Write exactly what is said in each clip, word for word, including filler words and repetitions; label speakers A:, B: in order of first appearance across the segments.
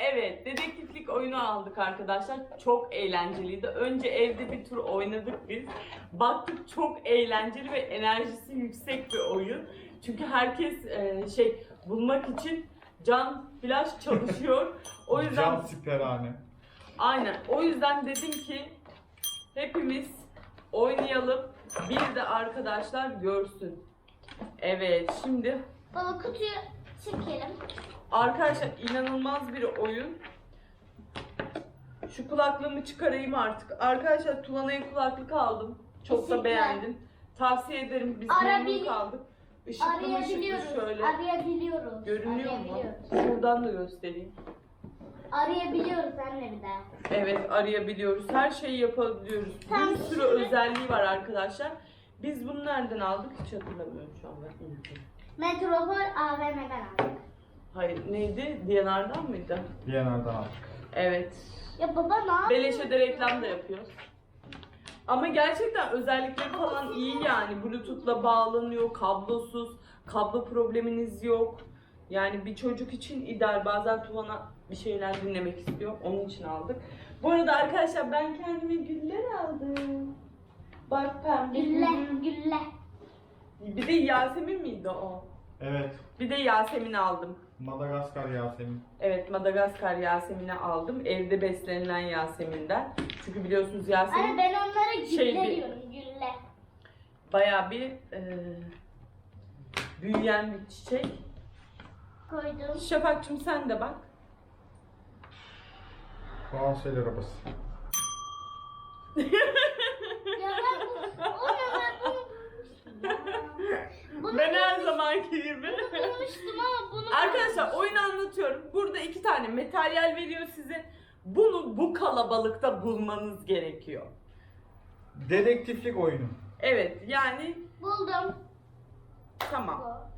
A: Evet, dedektiflik oyunu aldık arkadaşlar. Çok eğlenceliydi. Önce evde bir tur oynadık biz. Baktık çok eğlenceli ve enerjisi yüksek bir oyun. Çünkü herkes e, şey bulmak için can flash çalışıyor. O yüzden
B: Can siperhane.
A: aynen. O yüzden dedim ki hepimiz oynayalım. Bir de arkadaşlar görsün. Evet, şimdi
C: Baba kutuyu çekelim.
A: arkadaşlar inanılmaz bir oyun. Şu kulaklığımı çıkarayım artık. Arkadaşlar Tuvana'ya kulaklık aldım. Çok da
C: Teşekkürler.
A: beğendim. Tavsiye ederim. Biz
C: Arabil-
A: memnun kaldık. Işıklı ışıklı
C: Arayabiliyoruz.
A: şöyle.
C: Arayabiliyoruz.
A: Görünüyor mu?
C: Arayabiliyoruz.
A: Şuradan da göstereyim.
C: Arayabiliyoruz anne bir daha.
A: Evet, arayabiliyoruz. Her şeyi yapabiliyoruz.
C: Tamam,
A: Bir sürü
C: şimdi-
A: özelliği var arkadaşlar. Biz bunu nereden aldık hiç hatırlamıyorum şu an. Ben unuttum.
C: Metropol A V M'den aldık.
A: Hayır, neydi? D and R'dan mıydı?
B: Bir yanardan aldık.
A: Evet.
C: Ya baba ne yapıyorsun?
A: Beleşe de reklam da yapıyoruz. Ama gerçekten özellikleri falan iyi yani. Bluetooth'la bağlanıyor, kablosuz, kablo probleminiz yok. Yani bir çocuk için ideal. Bazen Tuvana bir şeyler dinlemek istiyor. Onun için aldık. Bu arada arkadaşlar ben kendime güller aldım. Bak pembe
C: Gülle,
A: gül.
C: gülle.
A: Bir de Yasemin miydi o?
B: Evet.
A: Bir de Yasemin aldım.
B: Madagaskar Yasemin.
A: Evet, Madagaskar Yasemin'i aldım. Evde beslenilen Yasemin'den. Çünkü biliyorsunuz Yasemin
C: Anne ben onlara gülle
A: Şeydi.
C: diyorum, gülle.
A: bayağı bir e, büyüyen bir çiçek.
C: Koydum.
A: Şafak'cığım sen de bak.
B: Fransız arabası.
C: Ya ben bu, o ne ben bunu bulmuştum ya. Bunu
A: Ben her
C: bulmuş-
A: zamanki gibi.
C: Bunu bulmuştum ama bunu
A: Arkadaşlar oyunu anlatıyorum. Burada iki tane materyal veriyor size. Bunu bu kalabalıkta bulmanız gerekiyor.
B: Dedektiflik oyunu.
A: Evet yani
C: buldum.
A: tamam.
C: Bu.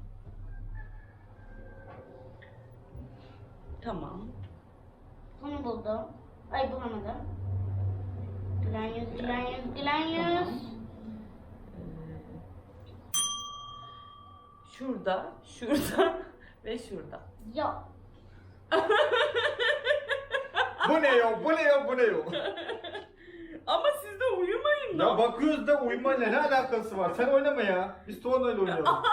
A: Tamam.
C: Bunu buldum. Ay bulamadım. Gülen yüz, gülen yüz, gülen yüz.
A: Şurada, şurada ve şurada.
C: Yok.
B: Bu ne yok, bu ne yok, bu ne yok.
A: Ama siz de uyumayın
B: Ya
A: da.
B: bakıyoruz da uyumayla ne alakası var? Sen oynama ya. Biz Tuvana'yla oynayalım.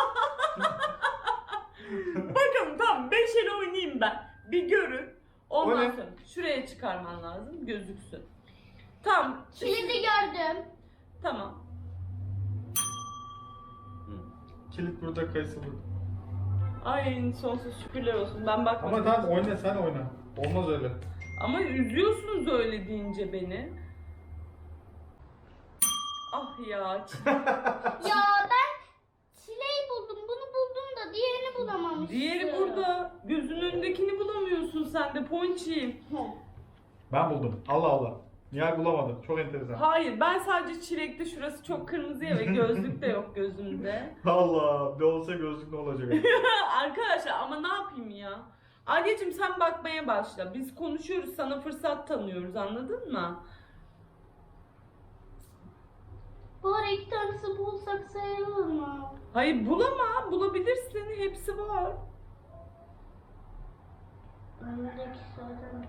A: Bakın tamam beş el oynayayım ben. Bir görün. Ondan
B: O ne?
A: sonra şuraya çıkarman lazım gözüksün. Tamam.
C: Kilidi gördüm.
A: Tamam. Hı.
B: Kilit burada, kayısı burada.
A: Ay sonsuz şükürler olsun. Ben bakmadım.
B: Ama tamam oyna, sen oyna. Olmaz öyle.
A: Ama üzüyorsunuz öyle deyince beni. Ah ya.
C: Ya ben çileği buldum. Bunu buldum da diğerini bulamamıştım.
A: Diğeri burada. Gözünün önündekini bulamıyorsun sen de Ponçiğim.
B: Ben buldum. Allah Allah. Nihal bulamadı. Çok enteresan.
A: Hayır ben sadece çilekte şurası çok kırmızı ya ve gözlük de yok gözümde.
B: Allah. Bir olsa gözlük ne olacak?
A: Arkadaşlar ama ne yapayım ya? Adyacığım sen bakmaya başla. Biz konuşuyoruz sana fırsat tanıyoruz anladın mı?
C: Bu ara iki tanesi bulsak sayılır mı?
A: Hayır bulama. Bulabilirsin. Hepsi var.
C: Önündeki zaten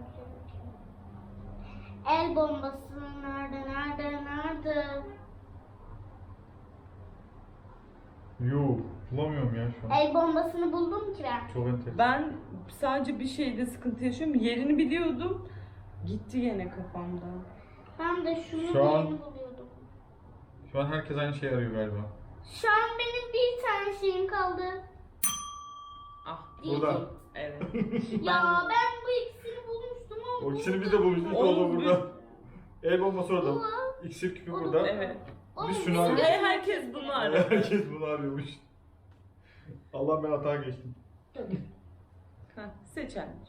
C: el bombası nerede, nerede, nerede?
B: Yuh. Bulamıyorum ya şu an.
C: El bombasını buldum ki ben.
B: Çok enteresan.
A: Ben sadece bir şeyde sıkıntı yaşıyorum. Yerini biliyordum. Gitti yine kafamdan.
C: Ben de şunu
B: Şu an-
C: yeni buluyordum.
B: Şu an herkes aynı şeyi arıyor galiba.
C: Şu an benim bir tane şeyim kaldı.
A: Ah.
B: Burada.
A: Evet.
C: Ya ben bu ikisini bulmuştum ama
B: O ikisini biz de bulmuştuk. O da
A: Oğlum,
B: burada. El bombası orada.
C: Bu.
B: İksir küpü
C: O da
B: burada.
A: Evet.
C: Oğlum,
B: Biz şunu
C: bizim
B: arıyoruz.
A: Her- herkes bunu arıyor.
B: Herkes bunu arıyormuş. Allah ben hata geçtim.
A: Heh, seç anneciğim.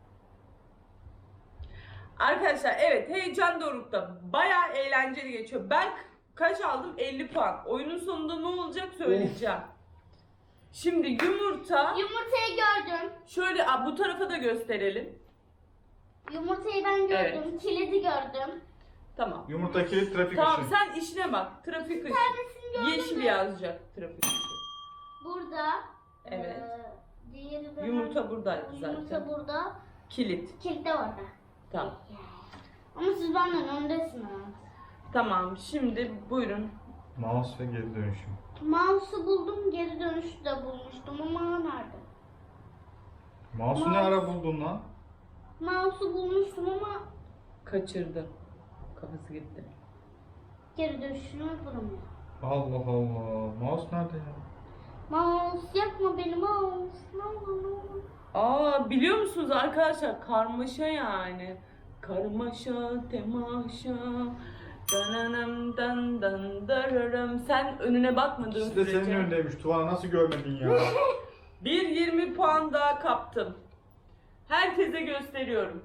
A: Arkadaşlar evet heyecan dorukta. Bayağı eğlenceli geçiyor. Ben kaç aldım? elli puan. Oyunun sonunda ne olacak söyleyeceğim. Şimdi yumurta.
C: Yumurtayı gördüm.
A: Şöyle a, bu tarafa da gösterelim.
C: Yumurtayı ben gördüm.
A: Evet.
C: Kilidi gördüm.
A: Tamam.
B: Yumurta kilit trafik
A: Tamam
B: ışığı.
A: sen işine bak. Trafik ışığı.
C: Tanesini gördüm.
A: Yeşil
C: de
A: yazacak trafik ışığı.
C: Burada.
A: Evet.
C: Ee, diğeri de
A: Yumurta buradaydı zaten.
C: Yumurta burada.
A: Kilit.
C: Kilit de orada.
A: Tamam.
C: Ama siz benden öndesiniz.
A: Tamam. Şimdi buyurun.
B: Mouse ve geri dönüşüm.
C: Mouse'u buldum, geri dönüşü de bulmuştum ama nerede?
B: Mouse'u ne ara buldun lan?
C: Mouse'u bulmuştum ama
A: Kaçırdı. Kafası gitti.
C: geri dönüşünü bulamıyorum.
B: Allah Allah. Mouse nerede ya?
C: Mouse yapma beni mouse. Ne olur ne olur.
A: Aa, biliyor musunuz arkadaşlar, karmaşa yani. Karmaşa, temaşa. Dananam dan dan dararım. Sen önüne bakmadığın
B: İkisi de senin
A: sürece.
B: önündeymiş. Tuvana nasıl görmedin ya?
A: Bir yirmi puan daha kaptım. Herkese gösteriyorum.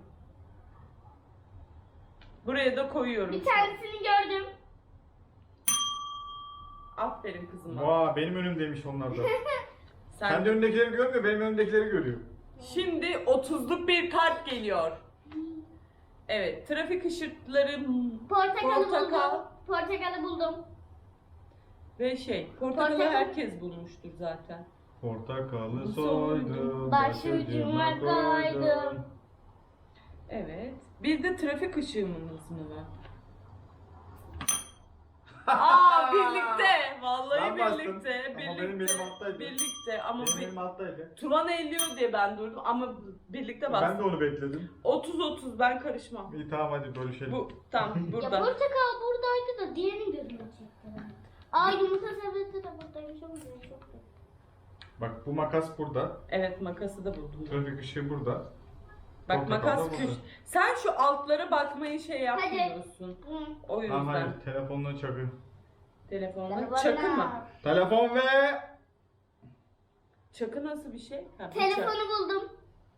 A: Buraya da koyuyorum.
C: Bir tanesini gördüm.
A: Aferin kızıma.
B: Vaa benim önümdeymiş onlar da.
A: Sen...
B: Kendi önündekileri görmüyor, benim önümdekileri görüyor.
A: Şimdi otuzluk bir kart geliyor. Evet, trafik ışıkları
C: Portakalı
A: portakal
C: buldum. Portakalı buldum.
A: ve şey, portakalı
C: Portakal.
A: herkes bulmuştur zaten.
B: Portakalı
A: Soydum,
B: soydum,
C: başucuma koydum.
A: Evet. Bir de trafik ışığımız mı var? Aa, birlikte. Vallahi
B: Ben bastım.
A: birlikte.
B: Ama
A: Birlikte.
B: benim elim alttaydı.
A: Birlikte ama
B: Benim
A: bir...
B: elim alttaydı.
A: Tuvan elliyor diye ben durdum ama birlikte bastım.
B: Ben de onu bekledim.
A: otuz otuz ben karışmam.
B: İyi tamam hadi bölüşelim.
A: Bu tam
C: Ya
A: burada.
C: portakal buradaydı da diğerini gözüme çekti. Aa yumurta sepeti de buradaymış ama diğeri yoktu.
B: Bak bu makas burada.
A: Evet, makası da buldum.
B: Trafik ışığı burada.
A: Bak
B: Portakal
A: makas
B: da
A: köş.
B: burada.
A: Sen şu altlara bakmayı şey yapmıyorsun.
C: Hı.
A: O yüzden.
B: Tamam hayır telefonla çakı.
A: Telefonla. Çakı mı?
B: Telefon ve...
A: Çakı nasıl bir şey? Ha, bıçak.
C: Telefonu buldum.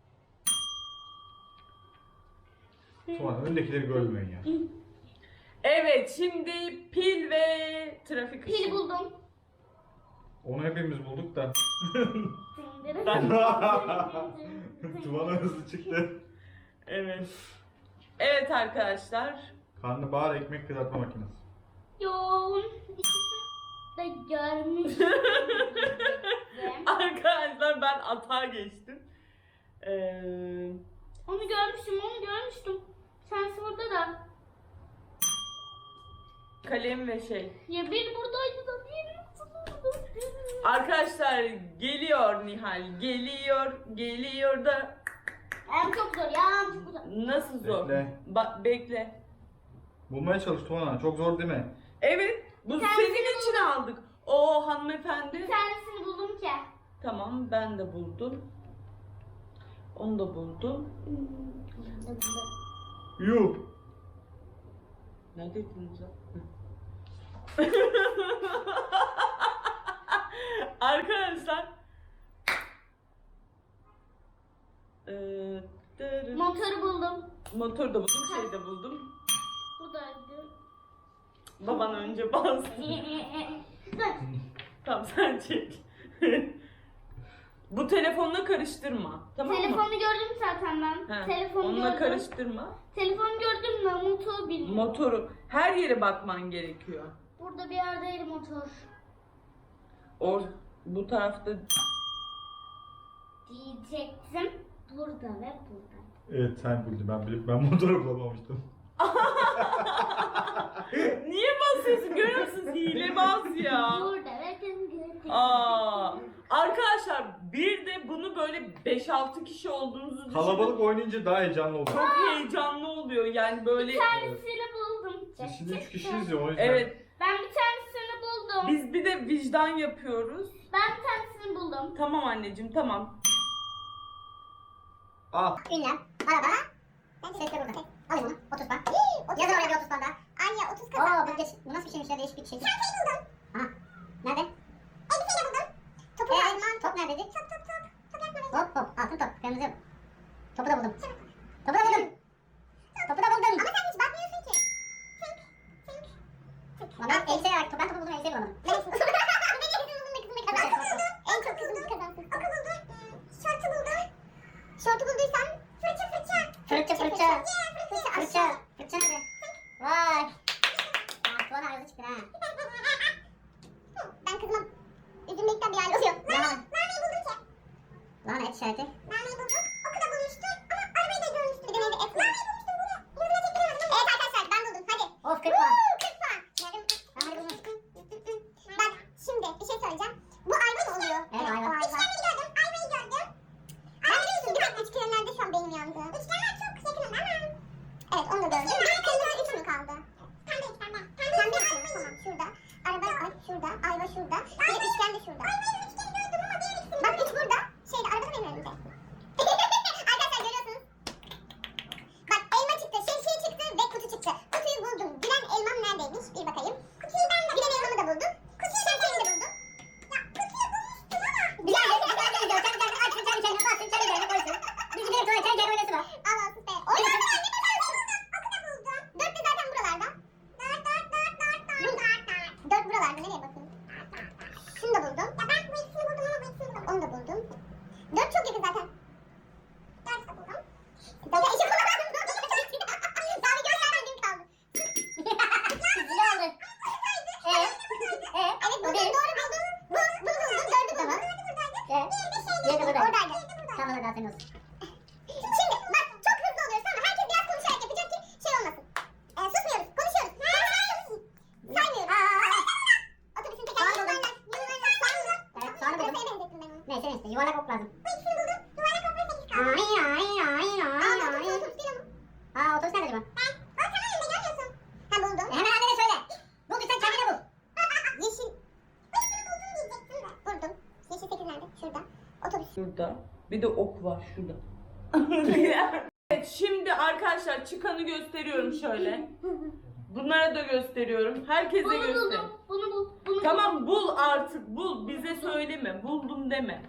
B: Tuvan önündekileri görmüyorsun ya.
A: Evet, şimdi pil ve trafik ışığı.
C: Pil buldum.
B: Onu hepimiz bulduk da.
A: Ben-
B: Tuvan hızlı çıktı.
A: Evet. Evet arkadaşlar.
B: Karnabahar ekmek kızartma makinesi.
C: Yoğun. İkisini de görmüş.
A: Arkadaşlar ben atağa geçtim. Ee,
C: Onu görmüştüm, onu görmüştüm. Sensi burada da.
A: kalem ve şey.
C: Ya bir buradaydı da diğeri burada.
A: Arkadaşlar geliyor Nihal. Geliyor. Geliyor da
C: En çok zor ya, en çok zor.
A: nasıl zor?
B: Bekle.
A: Ba- bekle.
B: Bulmaya çalış Tuvan. Çok zor değil mi?
A: Evet. Bu
C: Kendisini
A: senin için aldık. O hanımefendi.
C: Bir tanesini buldum ki.
A: Tamam, ben de buldum. Onu da buldum.
B: Yuh.
A: Ne dediniz ya? Arkadaşlar. Ee, dırı-
C: Motoru buldum.
A: motor da buldum, şey de buldum.
C: Buradaydı.
A: Baban önce bastı. Tamam, sen çek. Bu telefonla karıştırma. Tamam mı?
C: Telefonu gördüm zaten ben.
A: He,
C: Telefonu
A: onunla
C: gördüm.
A: karıştırma.
C: Telefonu gördüm de motoru bilmiyorum.
A: Motoru her yere bakman gerekiyor.
C: Burada bir yerdeydi motor.
A: Or bu tarafta
C: Diyecektim. Burada ve burada.
B: Evet sen buldun. Ben bilip ben motoru bulamamıştım.
A: niye basıyorsun? Görüyor musunuz? Hilebaz ya.
C: Burada ve burada.
A: Aa, arkadaşlar bir de bunu böyle beş altı kişi olduğunuzu düşünün.
B: Kalabalık oynayınca daha heyecanlı oluyor.
A: Çok heyecanlı oluyor yani böyle.
C: Bir tanesini buldum.
B: Biz şimdi üç kişiyiz ya o yüzden.
A: Evet,
C: Ben bir tanesini buldum.
A: biz bir de vicdan yapıyoruz.
C: Ben bir tanesini buldum.
A: Tamam anneciğim, tamam.
B: Al.
D: Ünlem, araba, ses de burada. Alayım bunu, otuz puan. Yazın oraya bir otuz puan daha. Anne otuz kazandı. Aa bu, geç, bu nasıl bir şeymiş ya, değişik bir şey. Çantayı buldum. Aha, nerede? Elbiseyi de buldum. Topu ee, alman. Top neredeydi? Top top top. Top yakmadı. Hop hop, altın top, kırmızı yok. Topu da buldum. Topu da buldum. Topu da buldum. Ama sen hiç bakmıyorsun ki. Tink, tink, tink. Ama ben elbiseyi var, ben topu buldum, elbiseyi bulamadım. Ne? Kızım buldum ve kızım ne kazandı? En çok kızım kazansın. Oku buldum. Şortu buldum. Şortu bulduysan fırça fırça. Fırça fırça. Fırça fırça. Fırça nerede? Vay. Aa, Tuvan arıza çıktı ha. Ben kızıma üzülmekten bir hal oluyor. Nane, naneyi buldum ki. Lahana et işareti. Naneyi buldum. Oku da bulmuştum ama arabayı da Evet. Diğeri de buradaydı. Oradaydı. Tamam hadi aferin olsun. Şimdi bak çok hızlı oluyoruz ama herkes biraz konuşarak yapacak ki şey olmasın. Ee, susmuyoruz, konuşuyoruz. Konuşuyoruz. Saymıyoruz. Otobüsün tekerleği yuvarlak. Yuvarlak soğanlı. Evet soğanı buldum. Pırasaya benzettim ben onu. Neyse neyse yuvarlak ok lazım. Bu ikisini buldum. Yuvarlak okla sekiz kaldı. Ay ay ay ay ay. Aa otobüs otobüs değil ama. Aa otobüs nerede acaba? Ben. O sana önünde görmüyorsun. Ha buldum. E, hemen annene söyle. Bulduysan kendine bul. Yeşil. Bu ikisini buldum diyecektim de. Buldum. Yeşil sekiz nerede? Şurada. Otobüs.
A: Şurada. Bir de ok var şurada. Evet, şimdi arkadaşlar çıkanı gösteriyorum şöyle. Bunlara da gösteriyorum. Herkese
C: Bunu
A: göster.
C: buldum. Bunu bul. Bunu
A: Tamam bul artık bul. Bize söyleme. Buldum deme.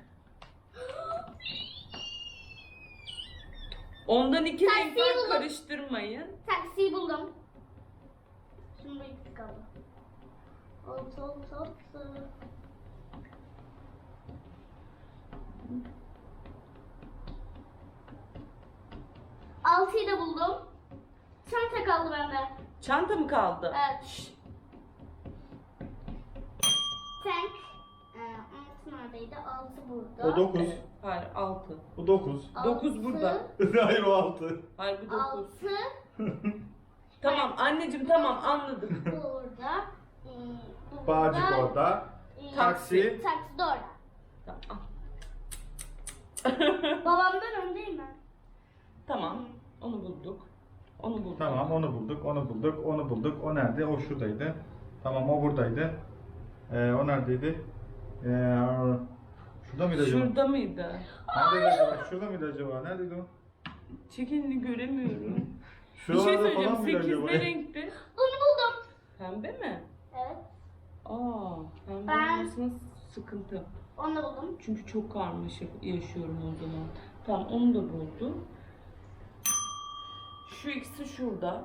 A: Ondan iki
C: Taksiyi
A: renk var,
C: buldum.
A: karıştırmayın.
C: Taksiyi buldum. Şimdi ikisi kaldı. Altı altı altı. Altıyı da buldum. Çanta kaldı bende.
A: Çanta mı kaldı?
C: Evet. Tank. Ee, altı neredeydi? Altı burada.
B: O dokuz.
A: Hayır altı.
B: Bu dokuz.
A: Dokuz
C: Altı,
A: burada.
B: Hayır o altı.
A: Hayır bu dokuz.
C: Altı
A: Tamam anneciğim tamam anladım.
C: burada. Ee, burada.
B: Bağcık orada.
C: Ee,
B: Taksi.
C: Taksi de orada.
A: Tamam.
C: Babamdan öndeyim ben.
A: Tamam. Onu bulduk. Onu bulduk.
B: Tamam onu bulduk, onu bulduk, onu bulduk. O nerede? O şuradaydı. Tamam o buradaydı. Ee, o neredeydi? Ee, şurada mıydı acaba?
A: Şurada mıydı?
B: Neredeydi acaba? Şurada mıydı acaba? Neredeydi o?
A: Çekinini göremiyorum. Bir şey
B: Şuralarda
A: söyleyeceğim.
B: falan mıydı
A: sekiz
B: acaba?
A: ne renkti?
C: Bunu buldum.
A: Pembe mi?
C: Evet.
A: Aa, pembe
C: Ben-
A: olmasına sıkıntı.
C: Onu da buldum.
A: Çünkü çok karmaşık yaşıyorum o zaman. Tamam onu da buldum. Şu ikisi şurada.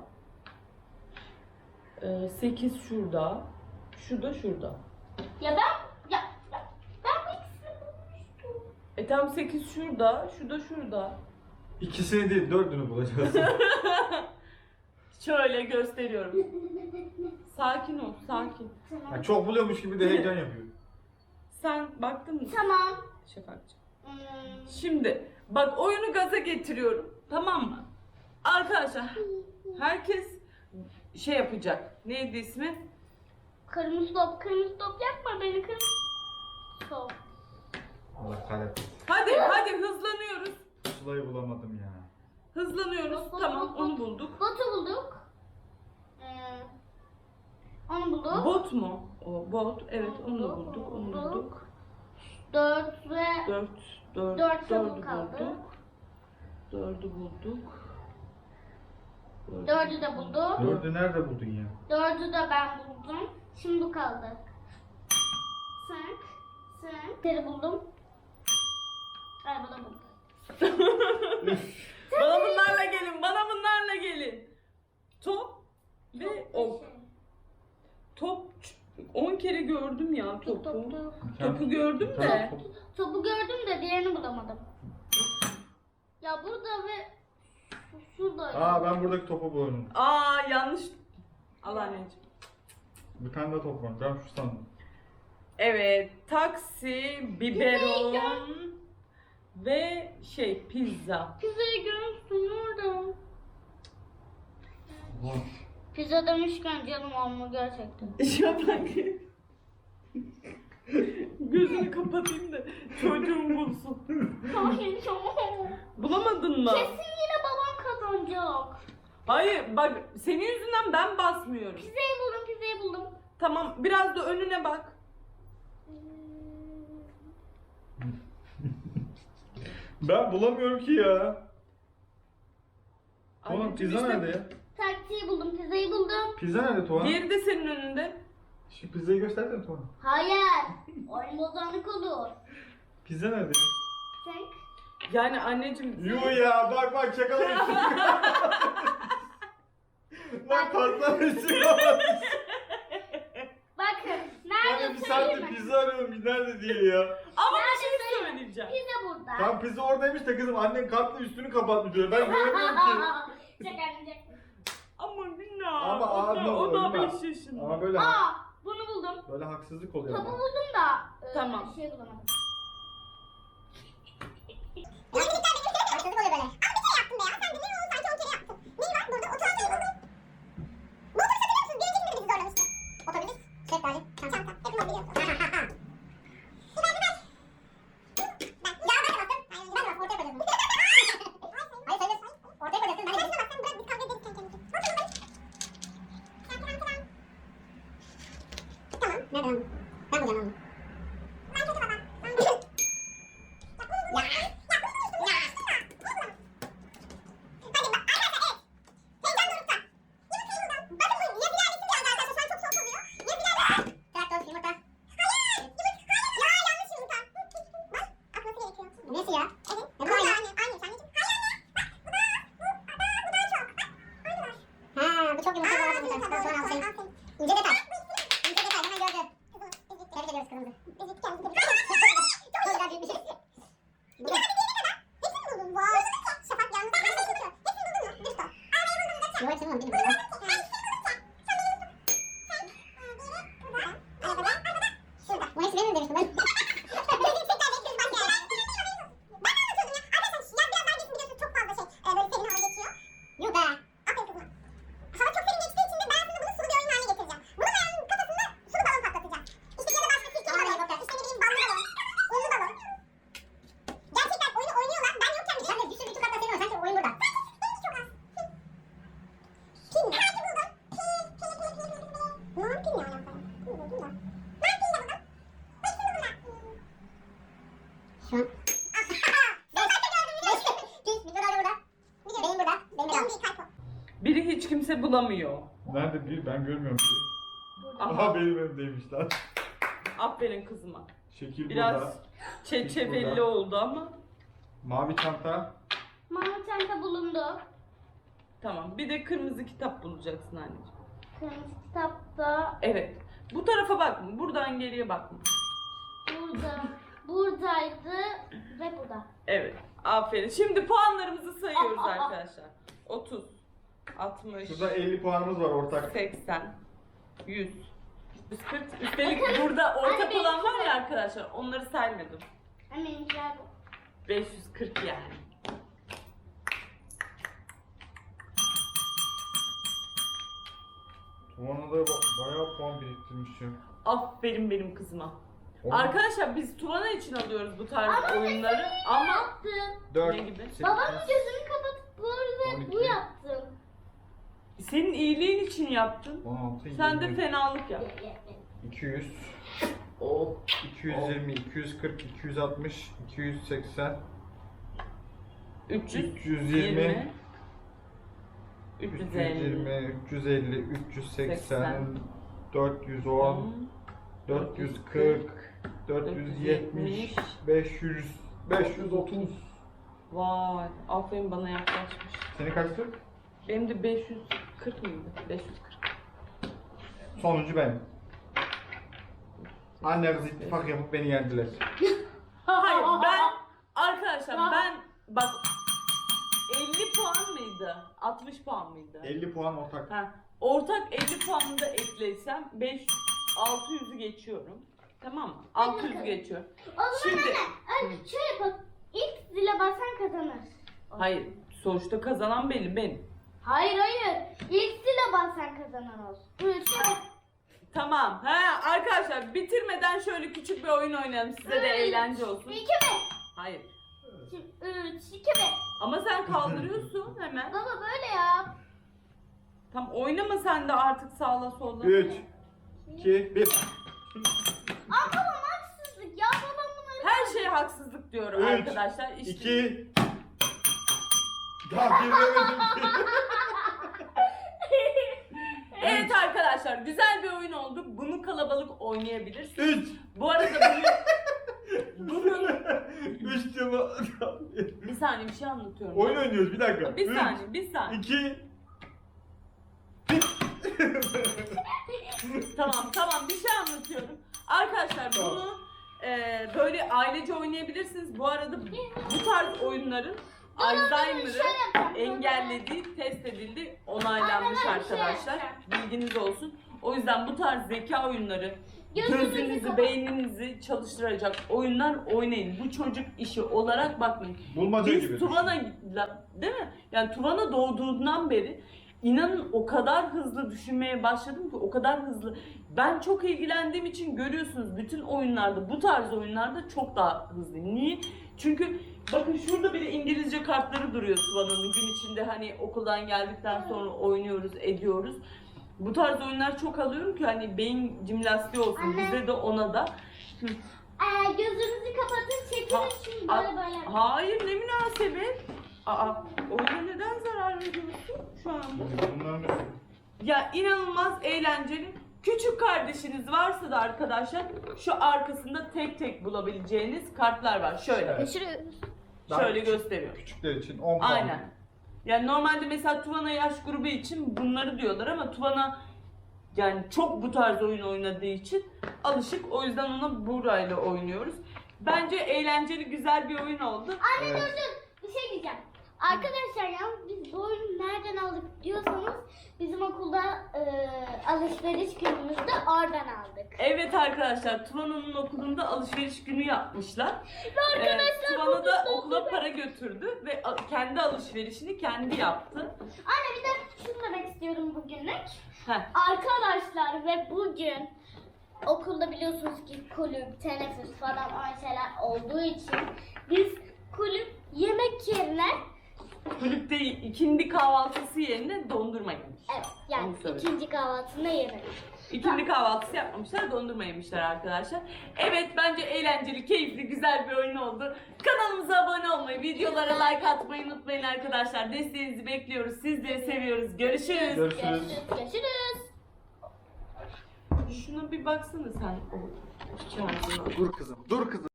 A: Ee, sekiz şurada. Şu da şurada.
C: Ya ben ya, ya ben bu ikisini bulmuştum.
A: E tamam sekiz şurada. Şu da şurada.
B: İkisini değil, dördünü bulacağız.
A: Şöyle gösteriyorum. Sakin ol, sakin.
C: Tamam.
B: Yani çok buluyormuş gibi de heyecan yapıyor.
A: Sen baktın mı?
C: Tamam.
A: Şafakcığım.
C: Hmm.
A: Şimdi bak oyunu gaza getiriyorum. Tamam mı? Arkadaşlar herkes şey yapacak. Neydi ismi?
C: Kırmızı top, kırmızı top yapma beni kırmızı top.
B: Allah kahretsin.
A: Hadi hadi hızlanıyoruz.
B: Sıla'yı bulamadım ya.
A: Hızlanıyoruz. Tamam onu bulduk.
C: Botu bulduk. Ee, onu bulduk.
A: Bot mu? O bot. Evet onu da bulduk. Onu bulduk.
C: Dört ve
A: Dört. Dört.
C: Dört
A: Dördü
C: çabuk kaldı.
A: bulduk. Dördü bulduk.
C: dördü de bulduk.
B: Dördü nerede buldun ya?
C: Dördü de ben buldum. Şimdi bu kaldı. Sen, sen. Teri buldum. Ay bu da buldum.
A: Bana bunlarla gelin. Bana bunlarla gelin. Top ve ok. Top on kere gördüm ya
C: Top,
A: topu.
C: top, top.
A: Topu gördüm de.
C: Topu gördüm de diğerini bulamadım. Ya burada ve şu- şurada.
B: Aa ben buradaki topu buldum.
A: Aa yanlış. Al anneciğim.
B: Bir tane daha top var. Ben şu sandım.
A: Evet, taksi, biberon ve şey pizza.
C: Pizzayı görmüştüm orada.
B: Ulan.
C: Pizza demişken canım amma gerçekten.
A: Şafak. Gözünü kapatayım da çocuğum bulsun.
C: Hayır tamam.
A: Bulamadın mı?
C: Kesin yine babam kazanacak.
A: Hayır bak senin yüzünden ben basmıyorum.
C: Pizzayı buldum, pizzayı buldum.
A: Tamam biraz da önüne bak.
B: Ben bulamıyorum ki ya. Oğlum
A: Anneciğim
B: pizza
A: işte-
B: nerede ya?
C: Taksiyi buldum, pizzayı buldum.
B: Pizza nerede Tuğan?
A: Diğeri de senin önünde.
B: Şu pizzayı göstersene Tuğan.
C: Hayır. Oyun bozanlık olur.
B: Pizza nerede?
C: Sen
A: Yani anneciğim.
B: Yuh ya bak bak şakalaştık. Lan patlamışsın lan.
C: bakın.
B: Ben de
C: Nerede
B: bir
C: söyleyeyim
B: saattir
C: mi?
B: pizza arıyorum bir nerede diye ya.
A: Ama
C: Nerede
A: bir şey
C: söyleyeyim?
A: söyleyeceğim.
C: Pizza burada.
B: Tam pizza oradaymış da kızım annen kartla üstünü kapatmış diyor. Ben göremiyorum ki.
C: Şaka
A: Ama günah.
B: Ama
A: o da,
B: ağzına
A: o da
B: vurma.
A: beş yaşında.
B: Ama böyle
C: Aa, bunu buldum.
B: böyle haksızlık oluyor
C: Topu
B: ama.
C: buldum da e,
A: Tamam.
C: şey bulamadım.
D: Traktör, yumurta. Ya yanlış yumurta. Bak, atması gerekiyor. Bu nesi ya? Evet. Bu da aynı. Aynı. Aynı. Anneciğim. Hayır anne. Bak bu da. Bu, bu, bu daha çok. Bak. Aynılar. Ha bu çok yumurta. Bu az yumurta. Tamam sonra alsayım. İnce detay. İnce detay. Hemen gördü. Tebrik ediyoruz kızımızı. Ezik kendisi. Çok güzel büyük bir şey. Bu da. Hepsini buldun. Vay. Şafak yalnız. Hepsini buldun mu? Dürüst ol. Yok hepsini buldum. Bilmiyorum. Şurada. Bu hepsi benim mi demiştim ben? Gerçekten bekliyoruz başka yerler. Ben de anlatıyordum ya. Arkadaşlar yaz biraz daha geçsin biliyorsunuz çok fazla şey. E, böyle serin hava geçiyor. Yok be. Aferin kızıma. Hava çok serin geçtiği için de ben aslında bunu sulu bir oyun haline getireceğim. Bunu ben kafasında sulu balon patlatacağım. İşte ya da başka sirke balon. İşte ne bileyim ballı balon. Unlu balon. Gerçekten oyunu oynuyorlar. Ben yokken bile. Ben de bir sürü bir tukakla seviyorum. Sanki oyun burada. Benimki çok az. Pin mi? Sanki buldum. Pin, pin, pin, pin, pin, pin. Ne pin ne alaka? Pin buldum da. Ben pin de buldum. Şu an. Ben zaten gördüm yine. Pil, mikrodalga burada. Benim burada. Benim burada. Benim kalp o.
A: Biri hiç kimse bulamıyor.
B: Nerede bir? Ben görmüyorum bir.
A: Aha.
B: Aha benim evimdeymiş lan.
A: Aferin kızıma.
B: Şekil
A: Biraz
B: burada.
A: çeçefilli
B: Burada.
A: oldu ama.
B: Mavi çanta.
C: Mavi çanta bulundu.
A: Tamam. Bir de kırmızı kitap bulacaksın anneciğim.
C: Kırmızı kitapta
A: Evet. Bu tarafa bakma. Buradan geriye bakma.
C: burada, buradaydı ve burada.
A: Evet. Aferin. Şimdi puanlarımızı sayıyoruz arkadaşlar. otuz, altmış,
B: Şurada elli puanımız var ortak.
A: seksen, yüz, yüz kırk. Üstelik burada ortak
C: Anne,
A: olan var
C: benimki
A: ya
C: de.
A: arkadaşlar. Onları saymadım.
C: Benimkiler bu.
A: beş yüz kırk yani.
B: Tuvan'a da ba- bayağı puan biriktirmişim.
A: Aferin benim kızıma.
B: On-
A: Arkadaşlar biz Tuvana için alıyoruz bu tarz oyunları ama
C: Yaptım.
B: dört,
A: Ne gibi?
B: sekiz,
C: Babamın gözünü kapatıp böyle
B: on
C: bu
B: iki.
C: yaptım.
A: senin iyiliğin için yaptın.
B: on altı,
A: Sen de
B: yirmi,
A: fenalık yap.
B: iki yüz,
A: Oh.
B: iki yüz yirmi, iki yüz kırk, iki yüz altmış, iki yüz seksen,
A: üç yüz
B: üç yüz yirmi,
A: üç
B: üç
A: yüz
B: yüz
A: elli,
B: yirmi, üç yüz elli, üç yüz seksen,
A: seksen,
B: dört yüz on, dört yüz kırk, dört yüz yetmiş, beş yüz, beş yüz otuz.
A: Vay, aferin bana yaklaşmış.
B: Seni kaçtı?
A: Benim de beş yüz kırk mıydı? beş yüz kırk.
B: Sonuncu ben. Annemiz ittifak yapıp beni yendiler.
A: Hayır ben arkadaşlar ben bak elli puan mıydı? altmış puan mıydı?
B: elli puan ortak.
A: Ha, ortak elli puanını da ekleysem beş altı yüzü geçiyorum. Tamam mı? altı yüz geçiyorum.
C: O zaman
A: Şimdi
C: anne, anne şöyle bak. İlk zile basan kazanır.
A: hayır sonuçta kazanan belli benim.
C: Hayır hayır. İlk zile basan kazanan olsun. Üç.
A: Tamam. He arkadaşlar bitirmeden şöyle küçük bir oyun oynayalım. Size de eğlence olsun.
C: İki mi?
A: Hayır.
C: Üç, iki mi?
A: Ama sen kaldırıyorsun hemen.
C: Baba böyle yap.
A: Tam oynama sen de artık sağla solla.
B: üç, iki, bir.
C: Aa babam haksızlık ya babam bunları.
A: Her şeye haksızlık diyorum
B: Üç,
A: arkadaşlar. İşte
B: iki. Daha girmemedim ki.
A: evet arkadaşlar güzel bir oyun oldu. Bunu kalabalık oynayabilirsiniz.
B: Üç.
A: Bu arada bunu bunun
B: Üç cama.
A: bir saniye bir şey anlatıyorum.
B: Oyun oynuyoruz bir dakika.
A: Bir
B: Üç,
A: saniye, bir saniye.
B: iki.
A: Tamam, tamam bir şey anlatıyorum. Arkadaşlar
B: Tamam.
A: bunu e, böyle ailece oynayabilirsiniz. Bu arada bu tarz oyunların Alzheimer'ı engellediği, test edildi, onaylanmış
C: Anne, ben bir şey
A: arkadaşlar.
C: yapacağım.
A: Bilginiz olsun. O yüzden bu tarz zeka oyunları
C: Gözünüzü
A: gözünüzü,
C: kapat-
A: beyninizi çalıştıracak oyunlar oynayın. Bu çocuk işi olarak bakmayın.
B: Bulmaca gibi.
A: Biz Tuvana, değil mi? Yani Tuvana doğduğundan beri inanın o kadar hızlı düşünmeye başladım ki o kadar hızlı. Ben çok ilgilendiğim için görüyorsunuz bütün oyunlarda, bu tarz oyunlarda çok daha hızlıyım. Niye? Çünkü bakın şurada bile İngilizce kartları duruyor Tuvana'nın gün içinde hani okuldan geldikten sonra oynuyoruz, ediyoruz. Bu tarz oyunlar çok alıyorum ki hani beyin jimnastiği olsun
C: Anne.
A: bize de ona da.
C: Ee, gözünüzü kapatın çekilin
A: Ha.
C: şimdi.
A: Aa,
C: Böyle böyle.
A: hayır, ne münasebet. Aa, oyuna neden zarar veriyorsun şu anda?
B: Bunların
A: Ya inanılmaz eğlenceli. Küçük kardeşiniz varsa da arkadaşlar şu arkasında tek tek bulabileceğiniz kartlar var. Şöyle.
B: Evet.
C: Görüşürüz.
B: daha
A: Şöyle
B: küçük-
A: gösteriyor.
B: Küçükler için on puan.
A: Aynen. Yani normalde mesela Tuvana yaş grubu için bunları diyorlar ama Tuvana yani çok bu tarz oyun oynadığı için alışık. O yüzden ona burayla oynuyoruz. Bence eğlenceli, güzel bir oyun oldu.
C: Anne
B: Evet.
C: dur dur. Bir şey diyeceğim. Arkadaşlar ya biz bu oyunu nereden aldık diyorsanız bizim okulda e, alışveriş günümüzde oradan aldık.
A: Evet arkadaşlar, Tuvana'nın okulunda alışveriş günü yapmışlar.
C: Ve arkadaşlar
A: Ee, Tuvana da
C: bu-
A: okula para götürdü ve a- kendi alışverişini kendi yaptı.
C: Anne bir de şunu demek istiyorum bugünlük.
A: Heh.
C: Arkadaşlar ve bugün okulda biliyorsunuz ki kulüp, teneffüs falan aynı şeyler olduğu için biz kulüp yemek yerine
A: Kulüpte ikindi kahvaltısı yerine dondurma yemiş.
C: evet yani
A: Onu söyle.
C: ikinci kahvaltısında yemek.
A: İkindi kahvaltısı yapmamışlar, dondurma yemişler arkadaşlar. Evet, bence eğlenceli, keyifli, güzel bir oyun oldu. Kanalımıza abone olmayı, videolara like atmayı unutmayın arkadaşlar. Desteğinizi bekliyoruz. Sizleri seviyoruz. Görüşürüz.
B: Görüşürüz.
C: Görüşürüz. Görüşürüz.
A: Şuna bir baksana sen o kağıdına.
B: Dur kızım, dur kızım.